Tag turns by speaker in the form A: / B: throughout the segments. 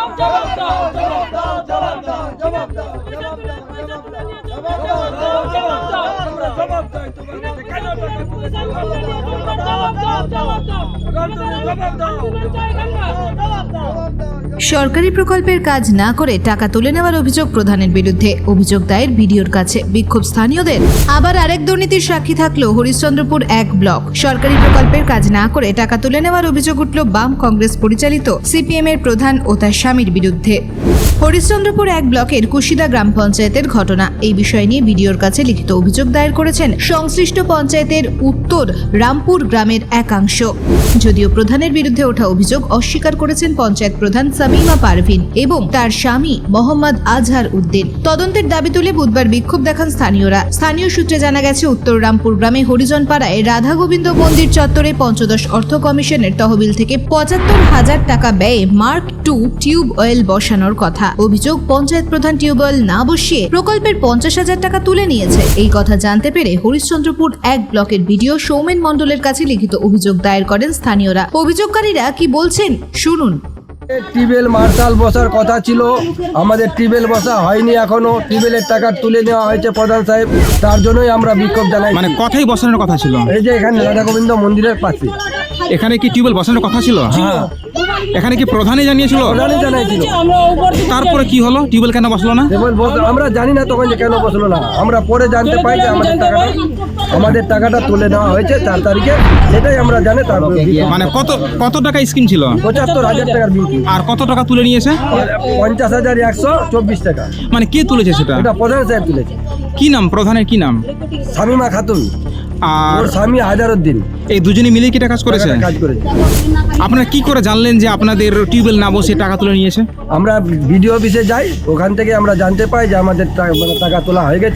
A: সরকারি প্রকল্পের কাজ না করে টাকা তুলে নেওয়ার অভিযোগ প্রধানের বিরুদ্ধে। অভিযোগ দায়ের বিডিওর কাছে। বিক্ষোভ স্থানীয়দের। আবার আরেক দুর্নীতির সাক্ষী থাকলো হরিশ্চন্দ্রপুর 1 ব্লক। সরকারি প্রকল্পের কাজ না করে টাকা তুলে নেওয়ার অভিযোগ উঠল বাম কংগ্রেস পরিচালিত সিপিএম এর প্রধান ও তার স্বামীর বিরুদ্ধে। হরিশ্চন্দ্রপুর 1 ব্লকের কুশিদা গ্রাম পঞ্চায়েতের ঘটনা। এই বিষয় নিয়ে বিডিওর কাছে লিখিত অভিযোগ দায়ের করেছেন সংশ্লিষ্ট পঞ্চায়েতের উত্তর রামপুর গ্রামের একাংশ। যদিও প্রধানের বিরুদ্ধে ওঠা অভিযোগ অস্বীকার করেছেন পঞ্চায়েত প্রধান সামিমা পারভিন এবং তার স্বামী মোহাম্মদ আজহার উদ্দিন। তদন্তের দাবি তুলে বুধবার বিক্ষোভ দেখান স্থানীয়রা। স্থানীয় সূত্রে জানা গেছে, উত্তর রামপুর গ্রামে হরিজন পাড়ায় রাধা গোবিন্দ মন্দির চত্বরে পঞ্চদশ অর্থ কমিশনের তহবিল থেকে ৭৫,০০০ টাকা ব্যয়ে মার্ক 2 টিউব অয়েল বসানোর কথা। অভিযোগ, পঞ্চায়েত প্রধান টিউবওয়েল না বসিয়ে প্রকল্পের ৫০,০০০ টাকা তুলে নিয়েছে। এই কথা জানতে পেরে হরিশ্চন্দ্রপুর 1 ব্লকের বিডিও সৌমেন মণ্ডলের কাছে লিখিত অভিযোগ দায়ের করেন স্থানীয়রা। অভিযোগকারীরা কি বলছেন শুনুন।
B: টিউবওয়েল মার্শাল বসার কথা ছিল, আমাদের টিউবওয়েল বসা হয়নি এখনো। টিউবওয়েলের টাকা তুলে নেওয়া হয়েছে প্রধান সাহেব, তার জন্যই আমরা বিক্ষোভ জানাই।
C: মানে কথাই বসানোর কথা ছিল।
B: এই যে এখানে রাধা গোবিন্দ মন্দিরের পাশে
C: এখানে কি টিউবওয়েল বসানোর কথা ছিল?
B: হ্যাঁ,
C: এখানে কি প্রধানই জানিয়েছিল?
B: প্রধানই জানাইছিল।
C: তারপরে কি হলো? টিউবওয়েল কেন বসলো না?
B: আমরা জানি না তখন যে কেন বসলো না। আমরা পরে জানতে পাই যে আমাদের টাকাটা তুলে নেওয়া হয়েছে 4 তারিখে, সেটাই আমরা জানি। তারপরে
C: মানে কত টাকা স্কিম ছিল?
B: ৭৫,০০০ টাকার বিল।
C: আর কত টাকা তুলে নিয়েছে?
B: ৫০,১২৪ টাকা।
C: মানে কে তুলেছে সেটা?
B: এটা প্রধান সাহেব তুলেছে।
C: কি নাম প্রধানের? কি নাম?
B: সামিমা খাতুন
C: আর
B: ওর স্বামী আজহারউদ্দিন।
C: এই দুজনে মিলে কি কাজ করেছে?
B: কাজ করেছে।
C: আপনারা কি করে জানলেন যে আপনাদের টিউবওয়েল না বসে টাকা তুলে নিয়েছে?
B: আমরা বিডিও অফিসে যাই, ওখান থেকে আমরা জানতে পাই যে আমাদের টাকা তোলা হয়ে গেছে।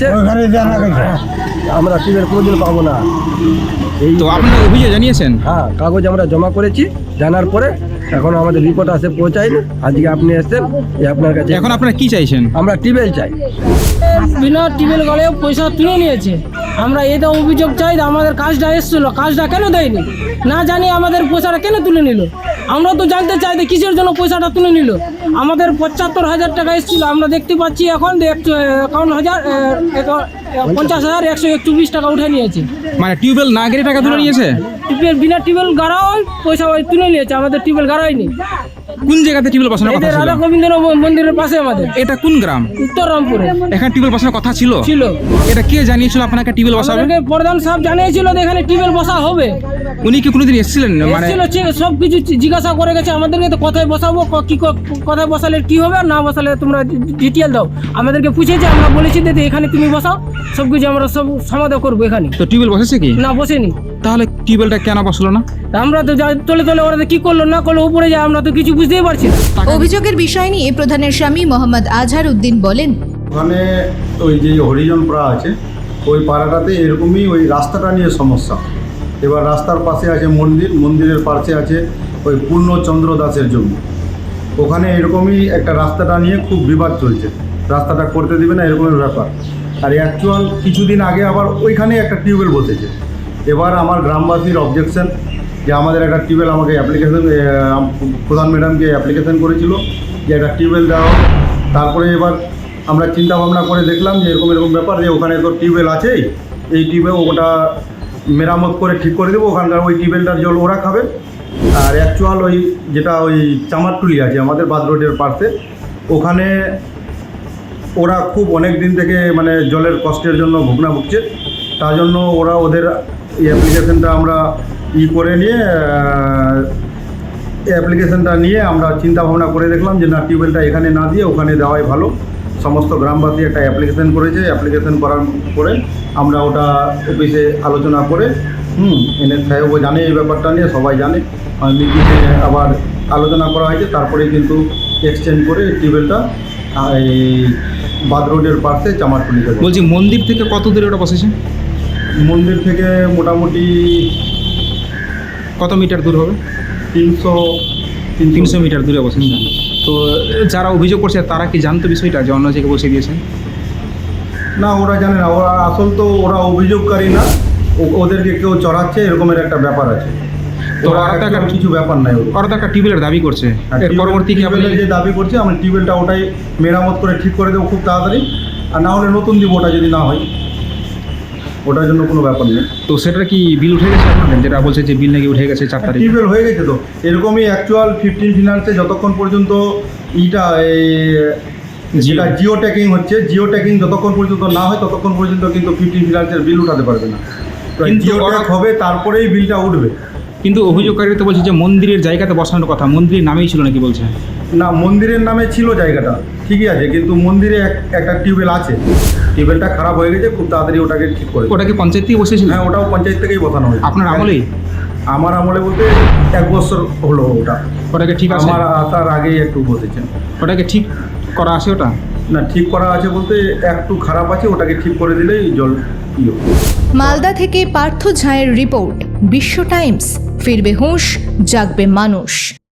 B: আমরা টিউবওয়েল কোনোদিন পাবো না। এই
C: তো আপনারা অভিযোগ জানিয়েছেন?
B: হ্যাঁ, কাগজ আমরা জমা করেছি। জানার পরে এখন আমাদের রিপোর্ট আসে পৌঁছায়নি। আজকে আপনি এসেছেন, আপনার কাছে।
C: এখন আপনারা কি চাইছেন?
B: আমরা টিউবওয়েল চাই।
D: বিনা টিউবওয়েল গলে পয়সা তুলে নিয়েছে। আমরা এটা অভিযোগ চাই, আমাদের কাজটা এসেছিল, কাজটা কেন দেয়নি? না জানি আমাদের পয়সাটা কেন তুলে নিল। আমরা তো জানতে চাই যে কিসের জন্য পয়সাটা তুলে নিল। আমাদের ৭৫,০০০ টাকা এসেছিল, আমরা দেখতে পাচ্ছি এখন ৫০,১২৪ টাকা উঠে নিয়েছে।
C: মানে টিউবওয়েল না গেলে টাকা তুলে নিয়েছে?
D: বিনা টিউবওয়েল গাড়াও পয়সা তুলে নিয়েছে, আমাদের টিউবওয়েল গাড়াইনি।
C: কোন জায়গাতে টিউবওয়েল বসানোর কথা ছিল?
D: রাধা গোবিন্দ মন্দিরের পাশে আমাদের।
C: এটা কোন গ্রাম?
D: উত্তর রামপুরে।
C: এখানে টিউবওয়েল বসানোর কথা ছিল? এটা কে জানিয়েছিল আপনাকে টিউবওয়েল বসাবে?
D: আমাদেরকে প্রধান সাহেব জানিয়েছিল যে এখানে টিউবওয়েল বসা হবে।
C: উনি কি কোনোদিন এসেছিলেন? মানে
D: সব কিছু জিজ্ঞাসা করে গেছে আমাদেরকে, তো কোথায় বসাবো, কোথায় বসালে কি হবে, আর না বসালে তোমরা ডিটেল দাও। আমাদেরকে পুছেছে, আমরা বলেছি যে এখানে তুমি বসাও, সব কিছু আমরা সব সমাধান করবো এখানে।
C: তো টিউবওয়েল বসেছে কি?
D: না, বসেনি।
C: তাহলে টিউবওয়েলটা কেন বসলো না?
D: আমরা তো তলে ওরা কি করলো না করলো উপরে যায়, আমরা তো কিছু বুঝতেই পারছি না।
A: অভিযোগের বিষয় নিয়ে প্রধানের স্বামী মোহাম্মদ আজহার উদ্দিন বলেন,
E: ওখানে ওই যে হরিজন পাড়া আছে, ওই পাড়াটাতে এরকমই ওই রাস্তাটা নিয়ে সমস্যা। এবার রাস্তার পাশে আছে মন্দির, মন্দিরের পাশে আছে ওই পূর্ণচন্দ্র দাসের জমি। ওখানে এরকমই একটা রাস্তাটা নিয়ে খুব বিবাদ চলছে, রাস্তাটা করতে দেবে না এরকমের ব্যাপার। আর অ্যাকচুয়াল কিছুদিন আগে আবার ওইখানে একটা টিউবওয়েল বসেছে। এবার আমার গ্রামবাসীর অবজেকশন যে আমাদের একটা টিউবওয়েল, আমাকে অ্যাপ্লিকেশন, প্রধান ম্যাডামকে অ্যাপ্লিকেশন করেছিল যে একটা টিউবওয়েল দেওয়া। তারপরে এবার আমরা চিন্তা ভাবনা করে দেখলাম যে এরকম ব্যাপার, যে ওখানে তো টিউবওয়েল আছেই, এই টিউবওয়েল ওটা মেরামত করে ঠিক করে দেবো, ওখানকার ওই টিউবওয়েলটার জল ওরা খাবে। আর অ্যাকচুয়াল ওই যেটা ওই চামারটুলি আছে আমাদের বাদ রোডের পাশে, ওখানে ওরা খুব অনেক দিন থেকে মানে জলের কষ্টের জন্য ভুগনা ভুগছে। তার জন্য ওরা ওদের অ্যাপ্লিকেশনটা আমরা করে নিয়ে অ্যাপ্লিকেশনটা নিয়ে আমরা চিন্তা ভাবনা করে দেখলাম যে না, টিউবওয়েলটা এখানে না দিয়ে ওখানে দেওয়াই ভালো। সমস্ত গ্রামবাসী একটা অ্যাপ্লিকেশন করেছে। অ্যাপ্লিকেশন করার পরে আমরা ওটা অফিসে আলোচনা করে এনএস সাহেবও জানে এই ব্যাপারটা নিয়ে, সবাই জানে। মিটিংয়ে আবার আলোচনা করা হয়েছে, তারপরে কিন্তু এক্সচেঞ্জ করে টিউবওয়েলটা এই বাদ রোডের পাশে চামারটুলি।
C: বলছি, মন্দির থেকে কত দূরে ওটা বসেছে?
E: মন্দির থেকে মোটামুটি
C: কত মিটার দূর হবে? 300 মিটার দূরে বসেন। তো যারা অভিযোগ করছে তারা কি জানতো বিষয়টা যে অন্য জায়গায় বসে দিয়েছেন?
E: না, ওরা জানে না। ওরা আসল তো ওরা অভিযোগকারী না, ওদেরকে কেউ চড়াচ্ছে, এরকমের একটা ব্যাপার আছে।
C: তো
E: ওরা
C: ওরা তো
E: একদম
C: একটা
E: কিছু ব্যাপার নাই ওদের।
C: ওরা তো একটা টিউবওয়েলের দাবি করছে
E: আর
C: এর পরবর্তী কি আপনি
E: টিউবওয়েলের যে দাবি করছে আমি টিউবওয়েলটা ওটাই মেরামত করে ঠিক করে দেবো খুব তাড়াতাড়ি, আর না হলে নতুন দিব ওটা যদি না হয়, ওটার জন্য কোনো ব্যাপার নেই।
C: তো সেটার কি বিল উঠে গেছে আপনাদের, যেটা বলছে যে বিল নাকি উঠে গেছে 4 তারিখ?
E: টিউবওয়েল হয়ে গেছে তো, এরকমই অ্যাকচুয়াল 15 ফিনান্সে যতক্ষণ পর্যন্ত যেটা জিও ট্যাকিং হচ্ছে, জিও ট্যাকিং যতক্ষণ পর্যন্ত না হয় ততক্ষণ পর্যন্ত কিন্তু 15 ফিনান্সের বিল উঠাতে পারবে না।
C: কিন্তু
E: জিও ট্যাগ হবে তারপরেই বিলটা উঠবে।
C: কিন্তু অভিযোগকারী তো বলছে যে মন্দিরের জায়গাতে বসানোর কথা, মন্দিরের নামেই ছিল নাকি বলছে?
E: না, মন্দিরের নামে ছিল জায়গাটা ঠিকই আছে, কিন্তু মন্দিরে একটা টিউবওয়েল আছে, টিউবওয়েলটা খারাপ হয়ে গেছে, খুব তাড়াতাড়ি ওটাকে ঠিক করে দেবে।
C: ওটা কি পঞ্চায়েত থেকে বসেছিল?
E: হ্যাঁ, ওটাও পঞ্চায়েত থেকেই বসানো হয়েছে।
C: আপনার আমলেই?
E: আমার আমলে বলতে 1 বছর হলো ওটা,
C: ওটাকে ঠিক আছে?
E: আমার আসার আগেই একটু বসেছে।
C: ওটাকে ঠিক করা আছে ওটা?
E: না, ঠিক করা আছে বলতে একটু খারাপ আছে, ওটাকে ঠিক করে দিলেই জল ইয়ে হবে।
A: মালদা থেকে পার্থ ঝায়ের রিপোর্ট, বিশ্ব টাইমস। ফিরবে হুঁশ, জাগবে মানুষ।